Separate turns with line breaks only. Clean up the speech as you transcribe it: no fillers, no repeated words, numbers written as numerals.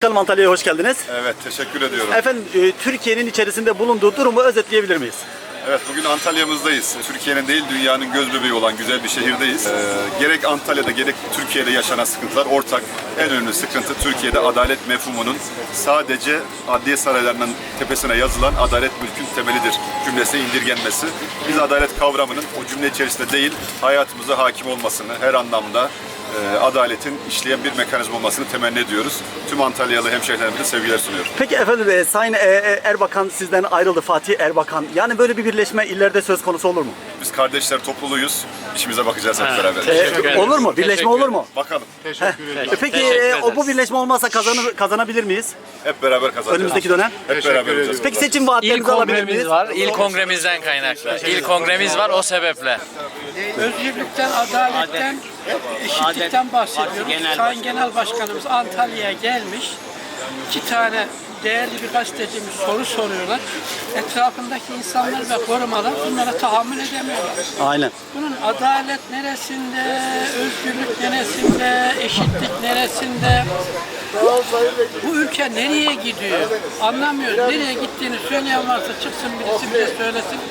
konuşalım. Antalya'ya hoş geldiniz.
Evet, teşekkür ediyorum.
Efendim, Türkiye'nin içerisinde bulunduğu durumu özetleyebilir miyiz?
Evet, bugün Antalya'mızdayız. Türkiye'nin değil, dünyanın göz bebeği olan güzel bir şehirdeyiz. Gerek Antalya'da gerek Türkiye'de yaşanan sıkıntılar ortak. En önemli sıkıntı Türkiye'de adalet mefhumunun sadece adliye saraylarının tepesine yazılan adalet mülkün temelidir cümlesine indirgenmesi. Biz adalet kavramının o cümle içerisinde değil, hayatımıza hakim olmasını her anlamda adaletin işleyen bir mekanizma olmasını temenni ediyoruz. Tüm Antalyalı hemşehrilerimize sevgiler sunuyorum.
Peki efendim, Sayın Erbakan sizden ayrıldı, Fatih Erbakan. Yani böyle bir birleşme ileride söz konusu olur mu?
Biz kardeşler topluluğuyuz. İşimize bakacağız hep beraber.
Olur mu? Birleşme olur mu?
Bakalım.
Peki bu birleşme olmazsa kazanabilir miyiz?
Hep beraber kazanacağız.
Önümüzdeki dönem?
Hep beraber olacağız.
Peki seçim
İl
vaatlerinizi alabilir miyiz?
kongremiz var. İl kongremizden kaynaklı. İl kongremiz var o sebeple.
Özgürlükten, adaletten, eşitlikten bahsediyoruz. Sayın Genel Başkanımız Antalya'ya gelmiş. 2 tane değerli bir gazetecimiz soru soruyorlar. Etrafındaki insanlar ve korumalar bunlara tahammül edemiyorlar.
Aynen.
Bunun adalet neresinde, özgürlük neresinde, eşitlik neresinde? Bu ülke nereye gidiyor? Anlamıyoruz. Nereye gittiğini söyleyen varsa çıksın birisi bize söylesin.